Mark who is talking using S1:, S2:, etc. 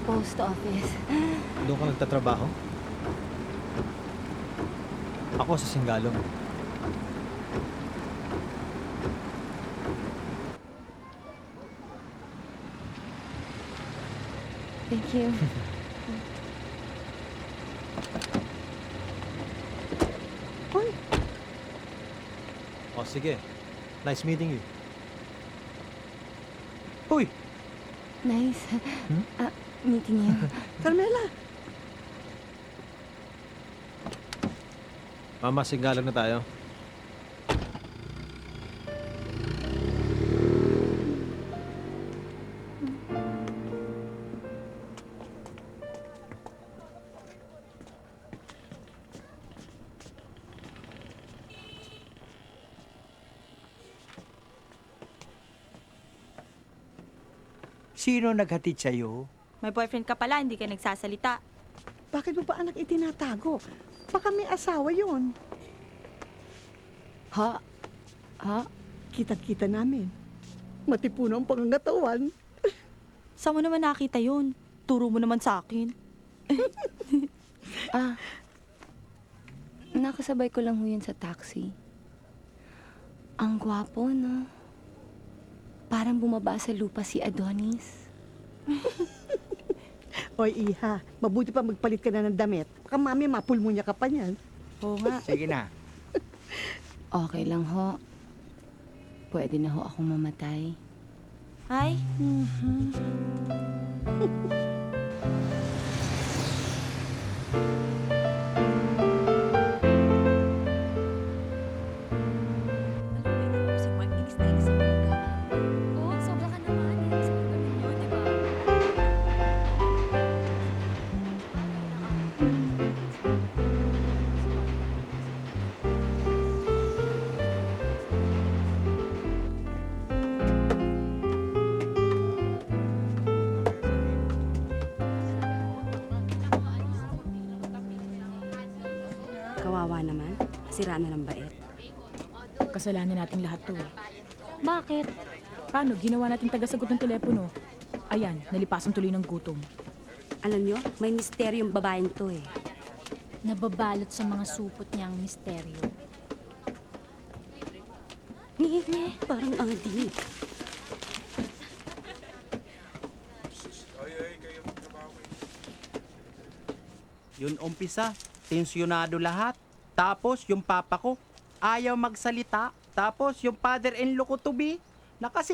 S1: post office.
S2: Doon ka nagtatrabaho? Ako sa Singalong.
S1: Thank you.
S3: Hoy,
S2: O sige. Nice meeting you. Uy!
S1: Nice. Meeting you.
S3: Carmela,
S2: Mama, Singalong na tayo.
S4: Sino naghatid sa'yo?
S5: May boyfriend ka pala, hindi ka nagsasalita.
S3: bakit mo ba anak itinatago? Baka may asawa yun.
S1: Ha? Ha?
S3: Kita-kita namin. Matipuno ang pangangatawan.
S5: Saan mo naman nakita yun? Turo mo naman sa akin.
S1: Nakasabay ko lang ho yun sa taxi. Ang gwapo, no? Parang bumaba sa lupa si Adonis.
S3: Oy, iha, mabuti pa magpalit ka na ng damit. Baka mami, mapulmunya ka pa niyan.
S5: Oo nga.
S4: Sige na.
S1: Okay lang ho. Pwede na ho akong mamatay.
S5: Ay,
S1: Oo, sobra ka naman. Sabi ko ninyo, di ba?
S6: Kawawa naman. Sira na ng bait.
S7: Kasalanan nating lahat to eh.
S1: Bakit?
S7: Paano? Ginawa natin tagasagot ng telepono. Ayan, nalipasan tuloy ng gutom.
S6: Alam nyo, may misteryong babaeng to eh.
S8: Nababalot sa mga supot niyang misteryo.
S6: Parang adi.
S4: Yun umpisa, tensyonado lahat. Tapos yung papa ko, ayaw magsalita. Tapos yung father-in-law ko to be,